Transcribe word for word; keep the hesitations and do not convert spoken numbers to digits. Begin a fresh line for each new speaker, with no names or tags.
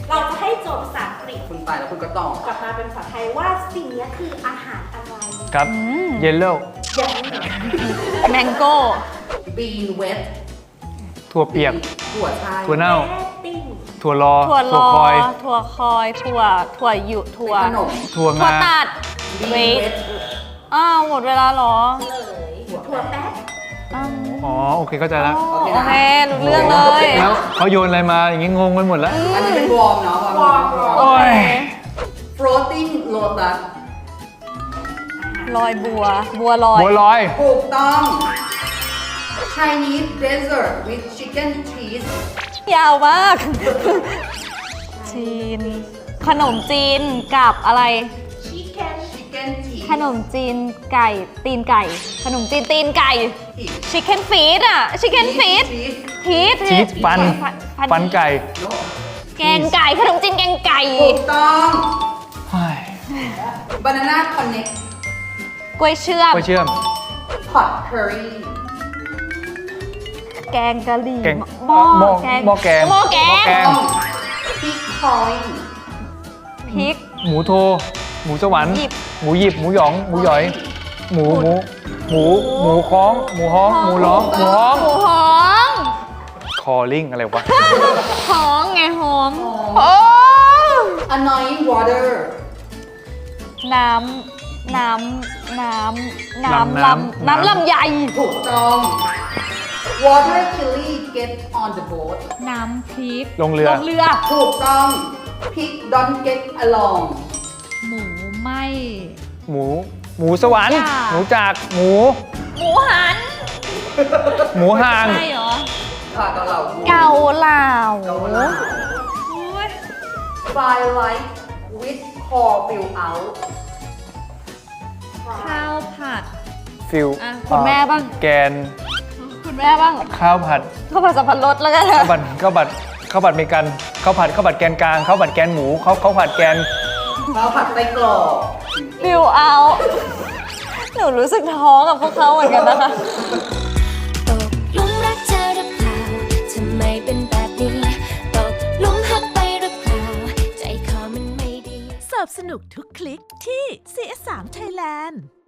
เราจะให้โจทย์ภาษาอังกฤษ
คุณไปแล้วคุณก็ตอบ
กลับมาเป็นภาษาไทยว่าสิ่งนี้คืออาหารอะไร
ครับเยลโล่
อย่าง
แมงโก้
bean wet
ถั่วเปียก
ถั่วไทย
ถั่วเน่า
แม่ติ้ง
ถั่วรอ
ถั่วลอ
คอย
ถั่วคอย ถั่ว ถั่วหยุถั่ว
ขนม
ถั่ว
ถั่ว
งา
ตัด
bean
เวท
wet
อ้าวหมดเวลาเหรอ
เลยถั่วแป๊บ
อ้าว
อ๋อโอเคเข้าใจแล้ว
โอเครู้เรื่องเลย
แล้วเขาโยนอะไรมาอย่างงี้งงไปหมดแล้ว
อันนี้เป็นวอร์มเนาะวอร์มวอร์ม
โอ้ย
floating lotus
ลอยบัว บัวลอย
บัวลอย
ถูกต้อง Chinese dessert with chicken cheese
ยาวมาก จีน ขนมจีนกับอะไร
ชิคเก้น
chicken cheese
ขนมจีนไก่ ตีนไก่ ขนมจีนตีนไก่
ผิด
ชิคเก้นฟีดอ่ะ ชิคเก้นฟีด
cheese
พีท
ชีสฟัน ฟันไก่
no
แกงไก่ ขนมจีนแกงไก่
ถูกต้อง
เฮ้ย
banana connect
กล้วยเชื่อม
ไปเชื่อม
pot curry
แกงกะหรี่
แกง
หม้อ
หม้อ
แกง
หม้อแกง
หม้อแก
หม้อแก
ง
ง
pig coin
พริก
หมูโท หมูสวรรค์
หยิบ
หมูหยิบ หมูหยอง หมูหยอย หมู หมู หมู หมูคล้อง หมูฮ้อง หมูร้อง หมูฮ้อง
หมูหอม
คอลิงอะไรวะ
หอมไงหอมโอ้
annoying water
น้ำ น้ำ น้ำ น้ำ
น้ำ
ลำ น้ำลำไย
ถูกต้อง water chili get on the boat
น้ำพริก
ลงเรือ
ลงเรือ
ถูกต้อง pig don't get along
หมูไหม
หมู หมูสวรรค์
จ้า
หมูจาก หมู
หมูหัน
หมูห่าง
ใช่เหรอ
ค่ะเกาเหลา
เกาเหลา
เกาเหลา
โอ้ย
firelight with core fill out
ข้าวผัด
ฟิล
อ่ะคุณแม่บ้าง
แกน
คุณแม่บ้าง
ข้าวผัด
ข้าวผัดสับปะรดแล้วกัน
ข้าวผัด ข้าวผัด ข้าวผัดเมกัน ข้าวผัด ข้าวผัดแกนกลาง ข้าวผัดแกนหมู ข้าวข้าวผัดแกน
ข้าวผัดไส้กรอก
ฟิลเอา หนูรู้สึกท้อกับพวกเขาเหมือนกันนะคะ
ตกหลุมรักเธอหรือเปล่าทำไมเป็นแบบนี้ตกหลุมหักไปหรือเปล่าใจคอมันไม่ดี
สอบสนุกทุกคลิกที่ ซี เอส สาม Thailand